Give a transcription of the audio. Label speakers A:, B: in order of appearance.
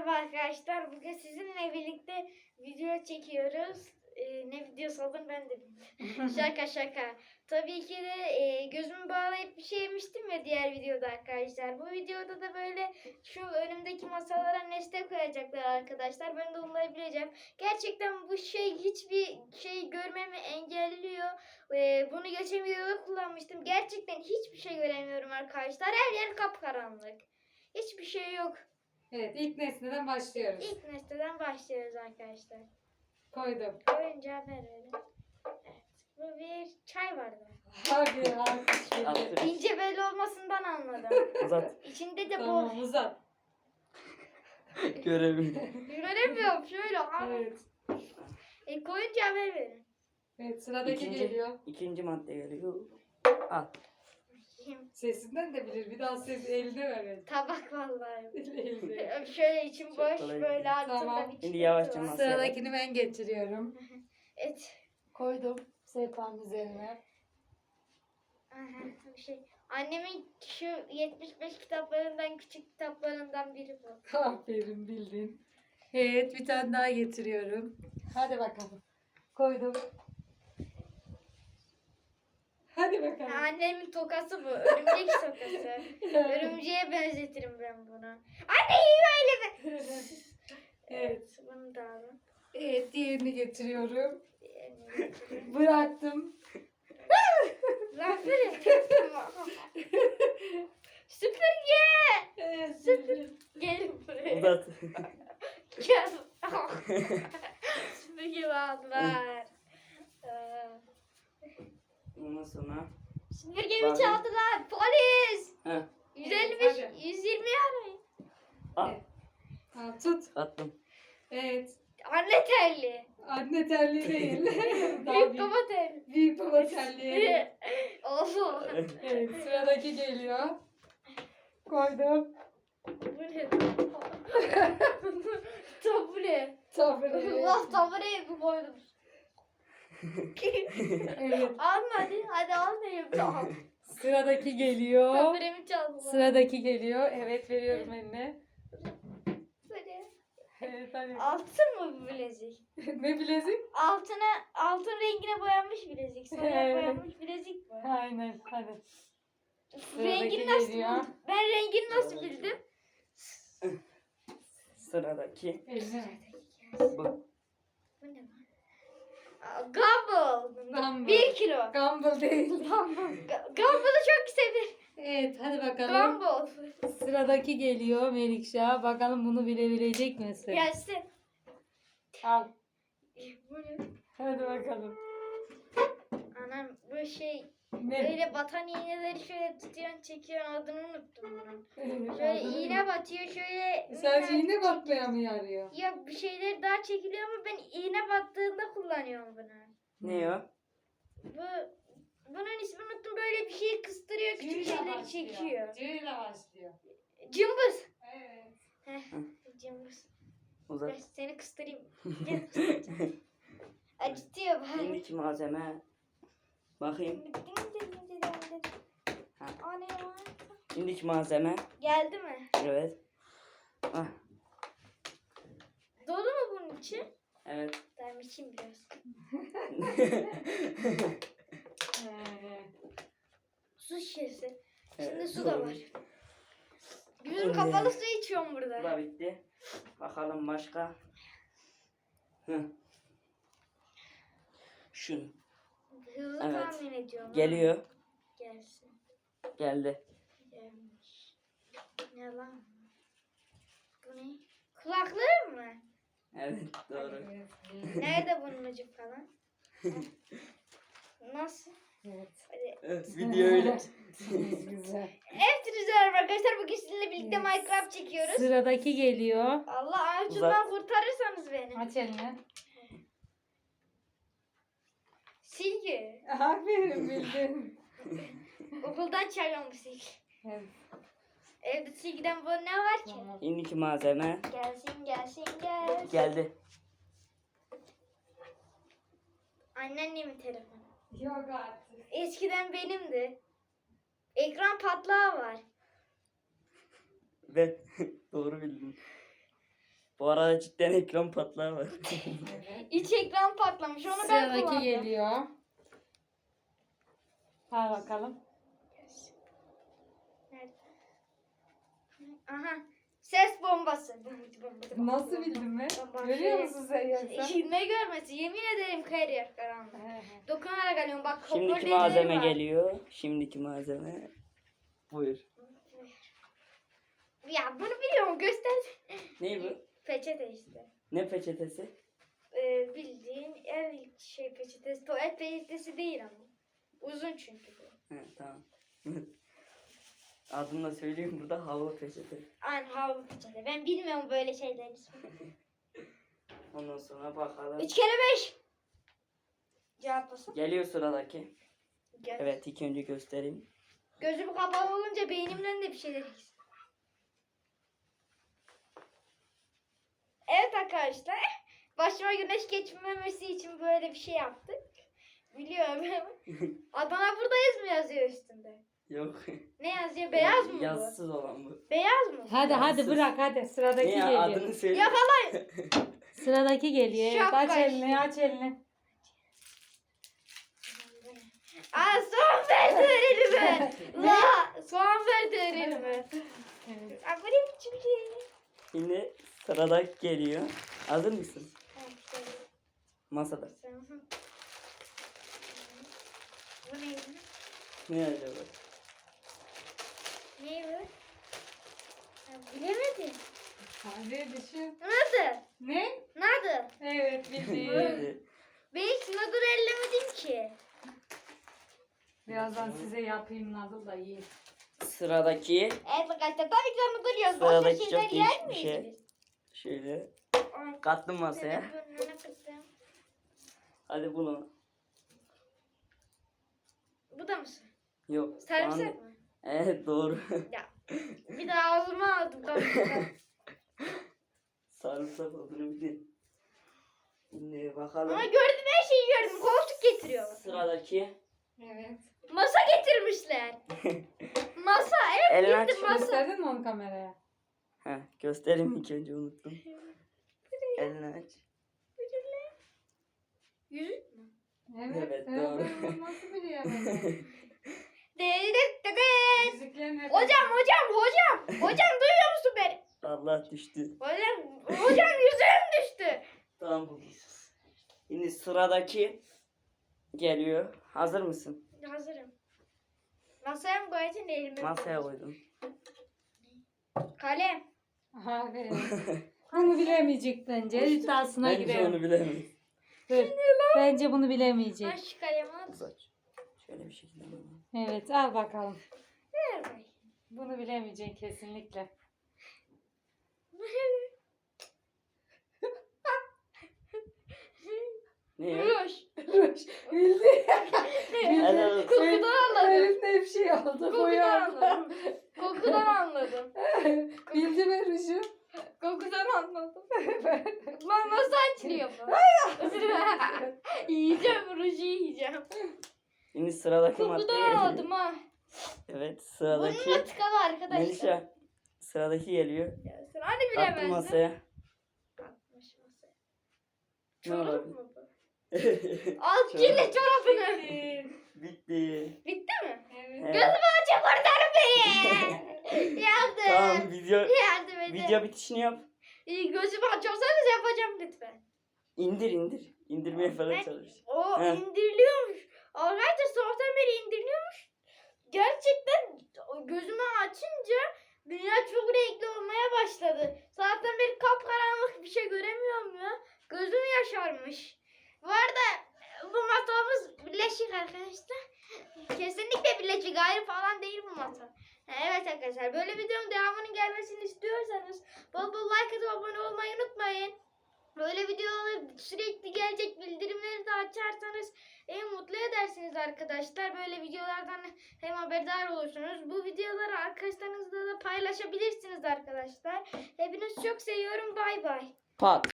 A: Merhaba arkadaşlar. Bugün sizinle birlikte video çekiyoruz. Ne videosu olduğunu ben de bilmiyorum. Şaka. Tabii ki de gözümü bağlayıp bir şey yemiştim ya diğer videoda arkadaşlar. Bu videoda da böyle şu önümdeki masalara nesne koyacaklar arkadaşlar. Ben de onları bileceğim. Gerçekten bu şey hiçbir şey görmemi engelliyor. Bunu geçen videoda kullanmıştım. Gerçekten hiçbir şey göremiyorum arkadaşlar. Her yer kapkaranlık. Hiçbir şey yok.
B: Evet, ilk nesneden başlıyoruz.
A: İlk nesneden başlıyoruz arkadaşlar.
B: Koydum.
A: Oyuncağı ver öyle. Evet. Bu bir çay bardağı.
B: Hadi alkış.
A: İnce belli olmasından anladım.
C: Uzat.
A: İçinde de
B: Tamam, uzat.
C: Göremiyorum.
A: göremiyorum şöyle.
B: Evet.
A: Koyuncağı ver verin.
B: Evet, sıradaki geliyor.
C: İkinci madde geliyor. Al.
B: Sesinden de bilir. Bir daha ses eline ver. Evet.
A: Tabak vallahi.
B: Eline.
A: Şöyle içim
C: Çok
A: boş
C: kolay.
A: böyle altında
B: Tamam.
A: bir
C: Şimdi
A: çıkıntı
C: yavaşça
A: var.
C: masaya
B: Sıradakini ben getiriyorum.
A: Evet.
B: Koydum sehpanın üzerine.
A: Aha, bir şey. Annemin şu 75 kitaplarından küçük kitaplarından biri bu.
B: Aferin, bildin. Evet, bir tane daha getiriyorum. Hadi bakalım. Koydum. Hadi bakalım.
A: Annemin tokası bu. Örümcek tokası. Örümceğe benzetirim ben bunu. Anne iyi öyle mi?
B: Evet.
A: Bunu da alın.
B: Evet, diğerini getiriyorum.
A: Diğerini getireyim.
B: Bıraktım.
A: Lan böyle. Süpürge.
B: Evet,
A: Gelin buraya.
C: Uzat.
A: Gel. Süpürge aldılar.
C: Ondan sonra.
A: Süpürgemi
C: Bak.
A: çaldılar. Polis.
C: Heh.
A: 155,
B: Hadi.
A: 120 arayın.
C: Al.
B: Ha, tut.
C: Attım.
B: Evet.
A: Anne terli.
B: Anne terliği değil. Daha
A: Büyük baba terli.
B: büyük baba terliği.
A: Oho.
B: Evet, sıradaki geliyor. Koydum.
A: Bu ne? Tabure.
B: Tabure.
A: Allah tabureye koydum.
B: Evet.
A: Alma hadi al diyeyim tamam.
B: Sıradaki geliyor.
A: Taburemi çaldılar.
B: Sıradaki geliyor. Evet, veriyorum eline.
A: Böyle.
B: Evet, hadi.
A: Altın mı bu bilezik?
B: Ne bilezik?
A: Altın rengine boyanmış bilezik. Sonra
B: Evet.
A: boyanmış bilezik bu.
B: Aynen, hadi.
A: Rengini nasıl
B: geliyor.
A: buldun? Ben rengini nasıl bildim?
C: Sıradaki.
B: Eline.
C: Bu.
A: Bu ne lan? Gumball.
B: Gumball.
A: 1 kilo.
B: Gumball değil.
A: Gumball'ı çok severim.
B: Evet, hadi bakalım.
A: Gumball.
B: Sıradaki geliyor Melikşah. Bakalım bunu bilebilecek misin?
A: Gelsin.
B: Al.
A: Bu ne?
B: Hadi bakalım.
A: Anam bu şey
B: Ne?
A: böyle batan iğneleri şöyle tutuyorsun çekiyorsun adını unuttum bunun.
B: Evet,
A: Şöyle
B: aldın
A: iğne
B: mı?
A: batıyor şöyle.
B: Sadece iğne batmaya mı yarıyor?
A: Ya bir şeyler daha çekiliyor ama ben iğne battığında kullanıyorum bunu.
C: Ne o?
A: Bunun ismini unuttum böyle bir şeyi kıstırıyor küçük şeyleri çekiyor.
B: Cüyle başlıyor.
A: Cımbız.
B: Evet.
A: Heh, cımbız. Ben
C: Uzat.
A: seni kıstırayım. Acıtıyor bari.
C: Şimdiki malzeme. Bakayım. Ha.
A: O ne ya?
C: Şimdiki malzeme.
A: Geldi mi?
C: Evet. Ah.
A: Dolu mu bunun içi?
C: Evet.
A: Ben içeyim biraz. Su şişesi. İçinde
C: Evet,
A: su da
C: doğru.
A: var. Bizim kapalı su içiyorum
C: Bu
A: burada.
C: da bitti. Bakalım başka. Hı. Şunu.
A: Hızlı
C: Evet.
A: tahmin ediyorum.
C: Geliyor.
A: Gelsin.
C: Geldi.
A: Gelmiş. Ne lan? Bu ne? Kulaklığı mı?
C: Evet doğru.
A: Nerede bunun ucu falan? Nasıl?
B: Evet.
A: Hadi.
C: Evet, video öyle.
B: Güzel.
A: Evet güzel arkadaşlar bugün sizinle birlikte
B: Evet.
A: Minecraft çekiyoruz.
B: Sıradaki geliyor.
A: Allah ağacından kurtarırsanız beni.
B: Aç elini.
A: Silgi.
B: Aferin, bildin.
A: Okuldan çalıyorum bu silgi.
B: Evet.
A: Evde silgiden bu ne var ki?
B: Tamam.
C: Şimdiki malzeme.
A: Gelsin.
C: Geldi.
A: Anneannemin telefonu.
B: Yok artık.
A: Eskiden benimdi. Ekran patlağı var.
C: Ve doğru bildin. Bu arada cidden ekran patlağı var.
B: Evet.
A: İç ekran patlamış. Onu ben
B: Sıradaki
A: kullandım.
B: geliyor. Al bakalım.
A: Nerede? Aha. Ses bombası.
B: Nasıl bildin mi?
A: Baba,
B: Görüyor
A: şey-
B: musun sen yoksa?
A: Ne görmesi? Yemin ederim kayır yer karanlık. Dokunarak alıyorum. Bak
C: Şimdiki
A: hoparlörleri
C: malzeme
A: var.
C: geliyor. Şimdiki malzeme. Buyur.
A: Ya bunu biliyorum. Göster.
C: Ne bu?
A: Peçete işte.
C: Ne peçetesi?
A: Bildiğin el şey peçetesi. Tuvalet peçetesi değil ama. Uzun çünkü bu.
C: He, tamam. Adını da söyleyeyim burada, havlu peçete.
A: Aynen havlu peçete. Ben bilmiyorum böyle şeyleri.
C: Ondan sonra bakalım.
A: 3 kere 5. Cevaplasın.
C: Geliyor sıradaki.
A: Gel.
C: Evet, ilk önce göstereyim.
A: Gözüm kapalı olunca beynimden de bir şeyler gitsin. Evet arkadaşlar. Başıma güneş geçmemesi için böyle bir şey yaptık. Biliyorum. Adana buradayız mı yazıyor üstünde?
C: Yok.
A: Ne yazıyor? Beyaz mı bu?
C: Yazsız olan bu.
A: Beyaz mı?
B: Hadi hadi
C: Yazsız.
B: bırak hadi. Sıradaki
C: Ne ya,
B: geliyor.
C: adını söyle.
A: Yakalayın.
B: Sıradaki geliyor. Evet,
A: Şapka
B: aç
A: işte.
B: elini aç elini.
A: Aa soğan verdi elime. La soğan verdi elime.
B: Evet.
A: Aa bu ne biçim şey?
C: Şimdi sıradaki geliyor. Hazır mısın?
A: Tamam, şöyle.
C: Masada.
A: Bu neydi?
C: Ne acaba?
A: Ne bu? Ya, bilemedim.
B: Hadi düşün.
A: Nasıl?
B: Ne?
A: Nasıl?
B: Evet bildin.
C: Hadi.
A: Ben hiç nadır ellemedim ki.
B: Birazdan size yapayım nasıl da yiyin.
C: Sıradaki.
A: Evet arkadaşlar tabii ki nadır yiyoruz.
C: Sıradaki
A: Başka
C: çok
A: şeyler yer
C: değişik bir
A: miyiz
C: şey.
A: biz?
C: Şöyle
A: Ay,
C: kattım masaya.
A: burnuna kıstım.
C: Hadi bunu.
A: Bu da mısın?
C: Yok.
A: Sarımsak
C: soğan-
A: mı?
C: Evet, doğru.
A: Ya. Bir daha ağzıma aldım.
C: Sarımsak olduğunu bildin. Şimdi bakalım.
A: Ama gördüm her şeyi gördüm. Koltuk getiriyor.
C: Sıradaki.
B: Evet.
A: Masa getirmişler. Masa evet
C: Elini aç.
A: gitti masa.
B: Gösterdin mi onu kameraya?
C: Heh, göstereyim ilk önce, unuttum. Elini aç.
A: Yüzük mü?
C: Evet, doğru.
B: Ben nasıl biliyorum? Yüzüklerin hep-
A: Hocam duyuyor musun beni?
C: Allah düştü.
A: Hocam yüzüğüm düştü.
C: Tamam, buldum. Şimdi sıradaki geliyor. Hazır mısın?
A: Hazırım. Masaya mı koyacaksın elime?
C: Masaya koydum.
A: Kalem.
B: Aha, evet. Bunu bilemeyecek bence. İddiasına
C: Bence
B: girelim.
C: onu bilemeyiz.
B: Dur. Bence bunu bilemeyecek.
A: Ben şu kalemi al.
C: Saç. Şöyle bir şekilde alalım.
B: Evet al bakalım.
A: Ver bakayım.
B: Bunu bilemeyecek kesinlikle.
C: Ne ya?
A: Ruj.
B: Bildi.
C: Helal olsun.
A: Kokudan anladım.
B: Elinde bir şey oldu.
A: Kokudan
B: Boyandı.
A: anladım. Kokudan anladım.
B: Bildi mi Ruşu?
A: Kokudan anladım. Lan nasıl açılıyor bu? Yiyeceğim ruju yiyeceğim.
C: Şimdi sıradaki
A: Kokudan
C: maddeye
A: aldım
C: geliyor.
A: ha.
C: Evet,
A: Bununla
C: sıradaki.
A: tıkalı arkadaşlar.
C: Melisa. Sıradaki geliyor.
A: Ya sen hani
C: Attım
A: bilemezdin?
C: masaya.
A: Atmış masaya.
C: Ne
A: Çorap
C: olabilir?
A: mı bu? Al kirli çorabını.
C: Bitti.
A: Bitti mi?
B: Evet.
C: Evet.
A: Gözümü açıp kurtar beni. Yardım.
C: Tamam,
A: Yardım edin.
C: video bitişini yap.
A: Gözümü açarsanız yapacağım lütfen.
C: İndir. İndirmeye falan
A: Ben-
C: çalış.
A: O
C: He.
A: indiriliyormuş. Arkadaşlar sabahtan beri indiriliyormuş. Gerçekten gözümü açınca dünya çok renkli olmaya başladı. Sabahtan beri kapkaranlık bir şey göremiyorum ya. Gözüm yaşarmış. Bu arada bu masamız birleşik arkadaşlar. Kesinlikle birleşik, ayrı falan değil bu masa. Evet arkadaşlar, böyle videonun devamının gelmesini istiyorsanız bol bol like atıp abone olmayı unutmayın. Böyle videolar sürekli gelecek, bildirimleri de açarsanız en mutlu edersiniz arkadaşlar. Böyle videolardan hem haberdar olursunuz. Bu videoları arkadaşlarınızla da paylaşabilirsiniz arkadaşlar. Hepinizi çok seviyorum. Bay bay.
C: Pat.